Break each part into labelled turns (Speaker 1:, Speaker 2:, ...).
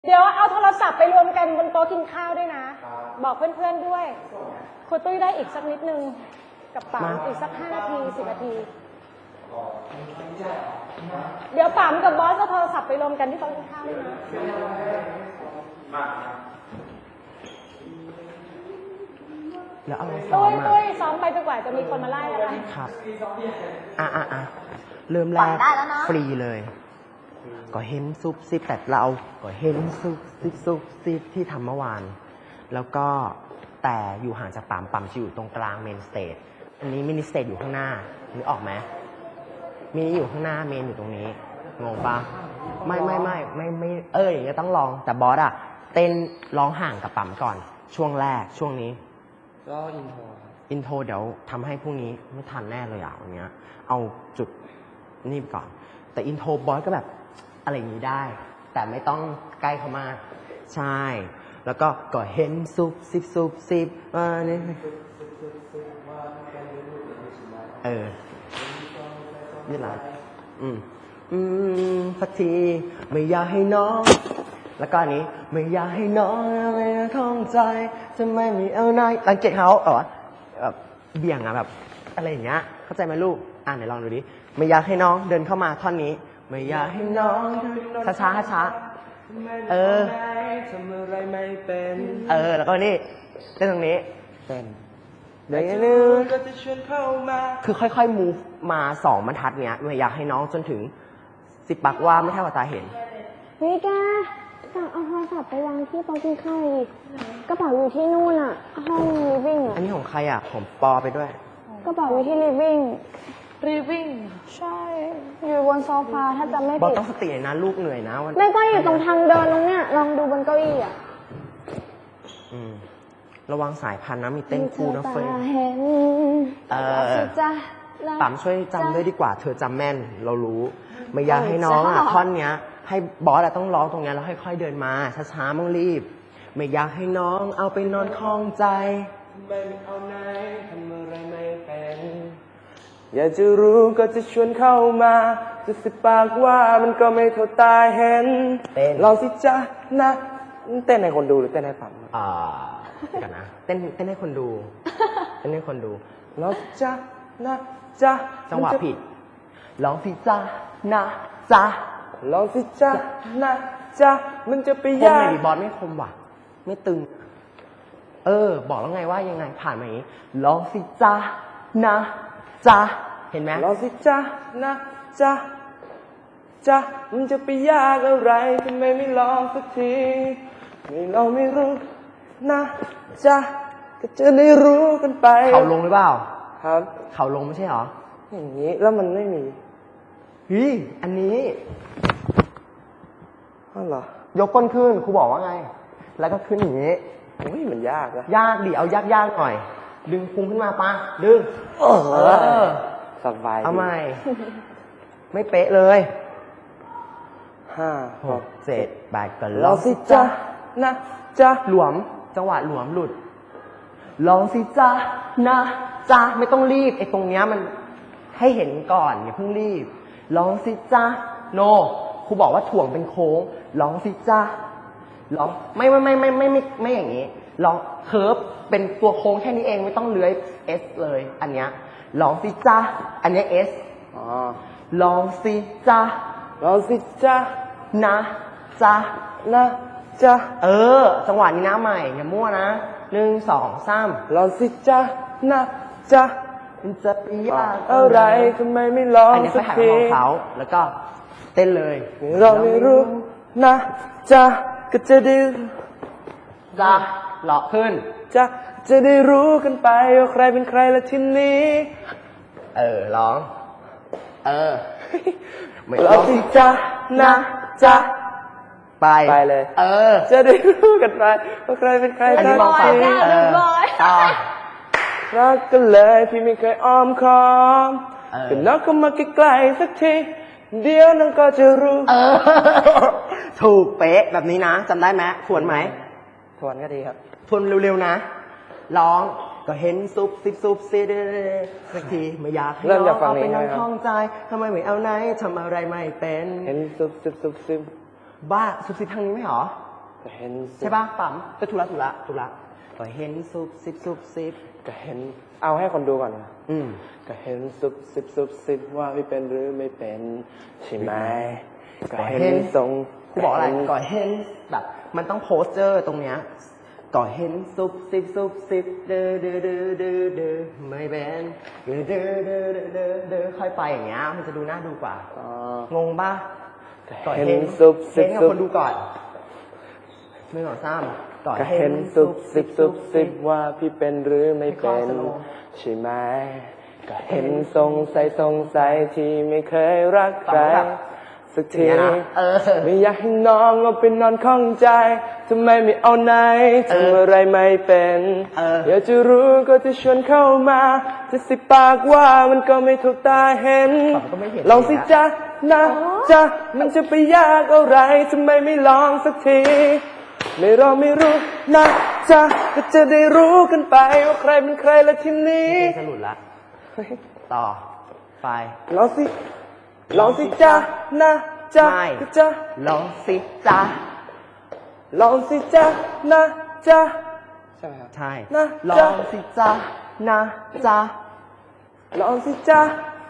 Speaker 1: เดี๋ยวเอาโทรศัพท์ไปรวมกันบนโต๊ะกินข้าวด้วยนะบอกเพื่อนๆด้วยครูตุ้ยได้อีกสักนิดนึงกับป๋ามอีกสัก5 นาที10 นาทีเดี๋ยวป๋ามกับบอสเอาโทรศัพท์ไปรวมกันที่โต๊ะกินข้าวด้วยนะ
Speaker 2: แล้วเอาซ้อมอ่ะ
Speaker 1: ตุ้ยซ้อมไปจนกว่าจะมีคนมาไล่อะไร
Speaker 2: ครับเริ่มแรกฟรีเลยก็เห็นซุบซิบแต่เราก็เห็นซุบซิบที่ทำเมื่อวานแล้วก็แต่อยู่ห่างจากปั๊มจะอยู่ตรงกลางเมนสเตจอันนี้มินิสเตจอยู่ข้างหน้านึกออกไหมมินิอยู่ข้างหน้าเมนอยู่ตรงนี้งงปะไม่อย่างเงี้ยต้องลองแต่บอสอะเต้นร้องห่างกับปั๊มก่อนช่วงแรกช่วงนี้
Speaker 3: ก็อินโทร
Speaker 2: เดี๋ยวทำให้พรุ่งนี้ไม่ทันแน่เลยอ่ะวันนี้เอาจุดนี่ก่อนแต่อินโทรบอสก็แบบอะไรอย่างนี้ได้แต่ไม่ต้องใกล้เขามากใช่แล้วก็เห็นซุบซิบนี่นี่แหละสักทีไม่อยากให้น้องแล้วก็อันนี้ไม่อยากให้น้องอะไรท้องใจทำไมไม่เอาไหนสังเกตเขาแบบเบี่ยงอะแบบอะไรอย่างเงี้ยเข้าใจไหมลูกไหนลองดูดิไม่อยากให้น้องเดินเข้ามาท่อนนี้ไม่อยากให้น้องช้าทำอะไรไม่เป็นแล้วก็นี่เต้นตรงนี้เต้นเดี๋ยวนึงคือค่อยๆ move มา2 บรรทัดเนี้ยไม่อยากให้น้องจนถึง10 ปักว่าไม่เท่ากับตาเห็น
Speaker 4: เฮ้ยแกเอาโทรศัพท์ไปวางที่โต๊ะกินข้าวดิกระเป๋าอยู่ที่นู่นอะห้องลิฟวิ่งอะ
Speaker 2: อันนี้ของใครอะของปอไปด้วย
Speaker 4: กระเป๋าอยู่ที่ลิฟวิ่งใช่อยู่บนโซฟาถ้าจะไม่ผิด
Speaker 2: บอต้องสตินะลูกเหนื่อยนะวัน
Speaker 4: ไม่ก็อยู่ตรงทางเดินตรงเนี้ยลองดูบนเก้าอี้อะ
Speaker 2: ระวังสายพันธุ์นะมีเต้นคู่นะเฟย์ปั๊มช่วยจำด้วยดีกว่าเธอจำแม่นเรารู้ไม่อยากให้น้องอะท่อนเนี้ยให้บอสต้องร้องตรงนี้แล้วค่อยๆเดินมาช้าๆมั่งรีบไม่อยากให้น้องเอาไปนอนคลองใจไม่เอาไหนทำอะไรไม่เป็นอยากจะรู้ก็จะชวนเข้ามาจะสิปากว่ามันก็ไม่เท่าตาเห็นลองสิจ๊ะนะเต้นให้คนดูหรือเต้นให้ฟังกันนะเต้นให้คนดูเต้นให้คนดูลองสิจ๊ะนะจ๊ะจังหวะผิดลองสิจ๊ะนะจ๊ะลองสิจ๊ะนะจ๊ะมันจะไปยากคมไหนบอสไม่คมว่ะไม่ตึงบอกแล้วไงว่ายังไงผ่านมาอย่างนี้ลองสิจ๊ะนะจ๊ะเห็นไหมลองสิจ๊ะนะจ๊ะมันจะไปยากอะไรทำไมไม่ลองสักทีไม่ลองไม่รู้นะจ๊ะก็จะได้รู้กันไปเขาลงหรือเปล่าครับเขาลงไม่ใช่หรออย่างนี้แล้วมันไม่มีอันนี้เหรอยกก้นขึ้นครูบอกว่าไงแล้วก็ขึ้นอย่างนี้มันยากนะยากดิเอายากหน่อยดึงพุงขึ้นมาปะดึงสบายเอาใหม่ไม่เป๊ะเลย5 6 7 8กันลองสิจ๊ะนะจ๊ะหลวมจังหวะหลวมหลุดลองสิจ๊ะนะจ๊ะไม่ต้องรีบไอ้ตรงเนี้ยมันให้เห็นก่อนอย่าเพิ่งรีบลองสิจ๊ะโนครูบอกว่าถ่วงเป็นโค้งลองสิจ๊ะลองไม่อย่างนี้ลองเคิร์ฟเป็นตัวโค้งแค่นี้เองไม่ต้องเลื้อย S เลยอันเนี้ยลองสิจ๊ะอันเนี้ย S ลองสิจ๊ะนะจ๊ะจังหวะนี้นะใหม่อย่ามั่วนะ1 2 3ลองสิจ๊ะนะจ๊ะมันจะไปยากอะไรทำไมไม่ลองสักทีอันนี้ไปหาของเขาแล้วก็เต้นเลยเราไม่รู้นะจ๊ะก็จะได้จ๊ะหลอกขึ้นจะได้รู้กันไปว่าใครเป็นใครละทีนี้ร้องไม่ลองสิจ๊ะนะจ๊ะไปเลยจะได้รู้กันไปว่าใครเป็นใครกันทีรักกันเลยพี่ไม่เคยอ้อมค้อมก็น้องเข้ามาใกล้ๆสักทีเดี๋ยวน้องก็จะรู้ถูกเป๊ะแบบนี้นะจำได้ไหมทวนไหมทวนก็ดีครับทวนเร็วๆนะร้องก็เห็นซุบซิบสักทีไม่อยากให้น้องเอาไปนอนท้องใจทำไมไม่เอาไหนทำอะไรไม่เป็นเห็นซุบซิบบ้าซุบซิบทางนี้ไหมหรอ
Speaker 3: ก็เห็นซุบ
Speaker 2: ใช่ปะปั๊มก็ถูกละก็เห็นซุบซิบ
Speaker 3: ก็เห็นเอาให้คนดูก่อนนะ
Speaker 2: อืม
Speaker 3: ก็เห็นซุบซิบว่าพี่เป็นหรือไม่เป็นใช่ไหมก็เห็นทรง
Speaker 2: กูบอกอะไรก่อเห็นแบบมันต้องโพสเจอร์ตรงเนี้ยก่อเห็นซุบซิบเด้อไม่เป็นเด้อค่อยไปอย่างเงี้ยมันจะดูน่าดูกว่า งงป่ะ
Speaker 3: ก็เห็นซุบซิ
Speaker 2: เห็นกับ
Speaker 3: บ
Speaker 2: คนดูก่อนไม่หรอกซ้ำก่อ
Speaker 3: ก็
Speaker 2: เห็
Speaker 3: เห็
Speaker 2: น
Speaker 3: น
Speaker 2: ซุ
Speaker 3: ซุ
Speaker 2: บบ ซิบ
Speaker 3: ว่าพี่เป็นหรือไม่เป็น
Speaker 2: ไม่ค่อยสโลว์
Speaker 3: ใช่ไหมก็เห็นสงสัยที่ไม่เคยรักใครสักที
Speaker 2: อย่างเงี้ยนะ
Speaker 3: ไม่อยากให้น้องเอาไปนอนข้องใจทำไมไม่เอาไหนทำอะไรไม่เป็นอยากจะรู้ก็จะชวนเข้ามาจะสิปากว่ามันก็ไม่ถูกตาเห็น
Speaker 2: ผมก็ไม่เห็น
Speaker 3: ลองสิจ๊ะนะจ๊ะมันจะไปยากอะไรทำไมไม่ลองสักทีไม่รอไม่รู้นะจ๊ะก็จะได้รู้กันไปว่าใครเป็นใครละทีนี้
Speaker 2: สรุปละต่อไป
Speaker 3: ลองสิจ๊ะนะจ๊ะ
Speaker 2: ไม่
Speaker 3: ก็จะ
Speaker 2: ลองสิจ้า
Speaker 3: ลองสิจ๊ะนะจ๊ะใช่ไหมครับ
Speaker 2: ใช่
Speaker 3: นะ
Speaker 2: ล
Speaker 3: จ๊ะ
Speaker 2: องสิจ้านะจ้า
Speaker 3: ลองสิจ๊ะ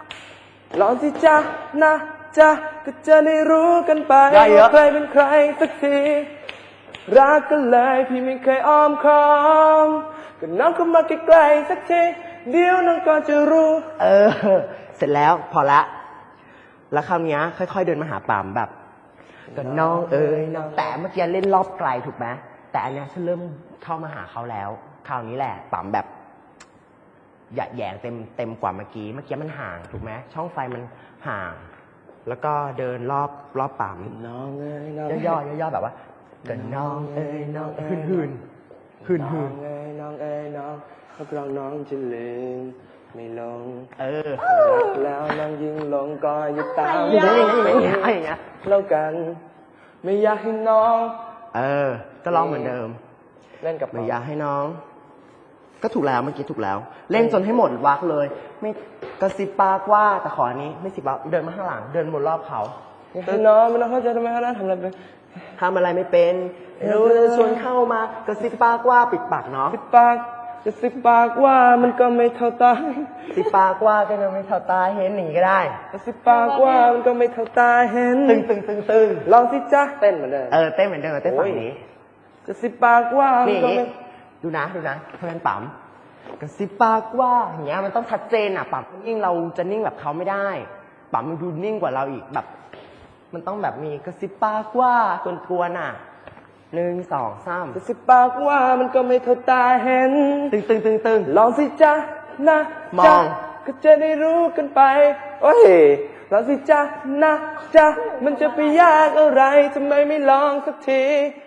Speaker 3: นะจ๊ะก็จะได้รู้กันไปว่าใครเป็นใครสักทีรักกันเลยพี่ไม่เคยอ้อมค้อมก็น้องเข้ามาใกล้ๆสักทีเดี๋ยวน้องก็จะรู้
Speaker 2: เสร็จแล้วพอละ แล้วคราวเนี้ยค่อยๆเดินมาหาปั๊มแบบก็น้องน้องแต่เมื่อกี้เล่นรอบไกลถูกไหมแต่อันเนี้ยฉันเริ่มเข้ามาหาเขาแล้ว คราวนี้แหละปั๊มแบบหยะแหยงเต็มกว่าเมื่อกี้มันห่างถูกไหมช่องไฟมันห่าง แล้วก็เดินรอบปั๊ม
Speaker 3: น้องเอ้ยน้อง
Speaker 2: ย่อแบบว่าก็น้องน้องหืน
Speaker 3: น้องเอ้ยน้องเอ้ยน้องรับรองน้องจะลืมไม่ลงรักแล้วน้องยิ่งหลงก็อย่าตาม
Speaker 2: อย่างเงี้ย
Speaker 3: แล้วกัน ไม่อยากให้น้อง
Speaker 2: ก็ร้องเหมือนเดิม
Speaker 3: เล่นกับ
Speaker 2: ไม่อยากให้น้อง ก็ถูกแล้วเมื่อกี้ถูกแล้ว เล่นจนให้หมดวักเลย ไม่กระซิบปากว่าแต่ขออันนี้ไม่สิบวักเดินมาข้างหลัง เดินวนรอบเขา
Speaker 3: ให้น้องไม่ต้องเข้าใจทำไมเขาได้ทำอะไรไป
Speaker 2: ทำอะไรไม่เป็นรู้จะชวนเข้ามากระซิบปากว่าปิดปากเนาะ
Speaker 3: สิบปากจะสิบปากว่ามันก็ไม่เท่าตา
Speaker 2: สิบปากว่าก็ยังไม่เท่าตาเห็นหนีก็ได้
Speaker 3: จะสิบปากว่ามันก็ไม่เท่าตาเห็น
Speaker 2: ตึง
Speaker 3: ลองสิจ๊ะเต้นเหมือนเดิม
Speaker 2: เต้นเหมือนเดิมเต้นฝั่งนี้
Speaker 3: จะสิบปากว่ามัน
Speaker 2: นี่
Speaker 3: ก็ไม่
Speaker 2: ดูนะเพื่อนปั๊มกระซิบปากว่าอย่างเงี้ยมันต้องชัดเจนอ่ะปั๊มนิ่งเราจะนิ่งแบบเขาไม่ได้ปั๊มมันดูนิ่งกว่าเราอีกแบบ มันต้องแบบมีกระซิบปากว่ากวนๆอ่ะ1 2 3
Speaker 3: จะสิบปากว่ามันก็ไม่เท่าตาเห็น
Speaker 2: ตึง
Speaker 3: ลองสิจ๊ะนะ
Speaker 2: มอง
Speaker 3: จ๊ะก็จะได้รู้กันไปโอ้ยลองสิจ๊ะนะจ๊ะมันจะไปยากอะไรทำไมไม่ลองสักที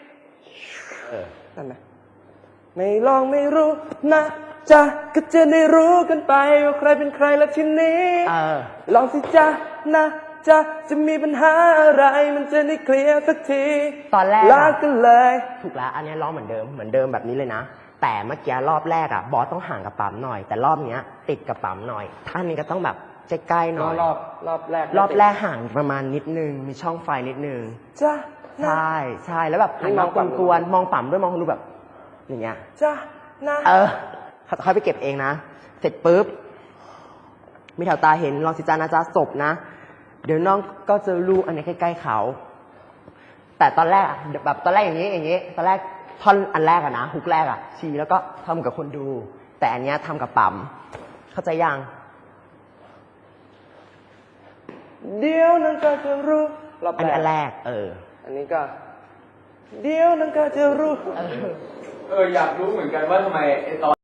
Speaker 3: นั่นนะไม่ลองไม่รู้นะจ๊ะก็จะได้รู้กันไปว่าใครเป็นใครละทีนี้ลองสิจ๊ะนะจ๊ะจะมีปัญหาอะไรมันจะได้เคลียร์สักที
Speaker 2: ตอนแรก
Speaker 3: รักกันเลย
Speaker 2: ถูกแล้วอันนี้ร้องเหมือนเดิมแบบนี้เลยนะแต่เมื่อกี้รอบแรกอ่ะบอสต้องห่างกับปั๊มหน่อย แต่รอบเนี้ยติดกับปั๊มหน่อยท่านนี้ก็ต้องแบบใกล้ๆหน่อย
Speaker 3: รอบแรก
Speaker 2: รอบแรกห่างประมาณนิดนึงมีช่องไฟนิดนึง
Speaker 3: จ้ะ
Speaker 2: ใช่แล้วแบบหันมากวนๆมองปั๊มด้วยมองดูแบบอย่างเงี้ย
Speaker 3: จ้ะนะ
Speaker 2: ค่อยไปเก็บเองนะเสร็จปุ๊บมีแถวตาเห็นลองสิจานะจ๊ะศพนะเดี๋ยวน้องก็จะรู้อันนี้ใกล้ๆเขาแต่ตอนแรกอะแบบตอนแรกอย่างนี้ตอนแรกท่อนอันแรกอะนะฮุกแรกอะชี้แล้วก็ทำกับคนดู แต่อันเนี้ยทำกับปั๊มเข้าใจยัง
Speaker 3: เดี๋ยวนั้นก็จะรู้รอบ
Speaker 2: อันนี้อัน
Speaker 3: แร
Speaker 2: แร
Speaker 3: ก
Speaker 2: ก
Speaker 3: อันนี้ก็ เดี๋ยวนั้นก็จะรู้
Speaker 5: อยากรู้เหมือนกันว่าทำไมไอตอน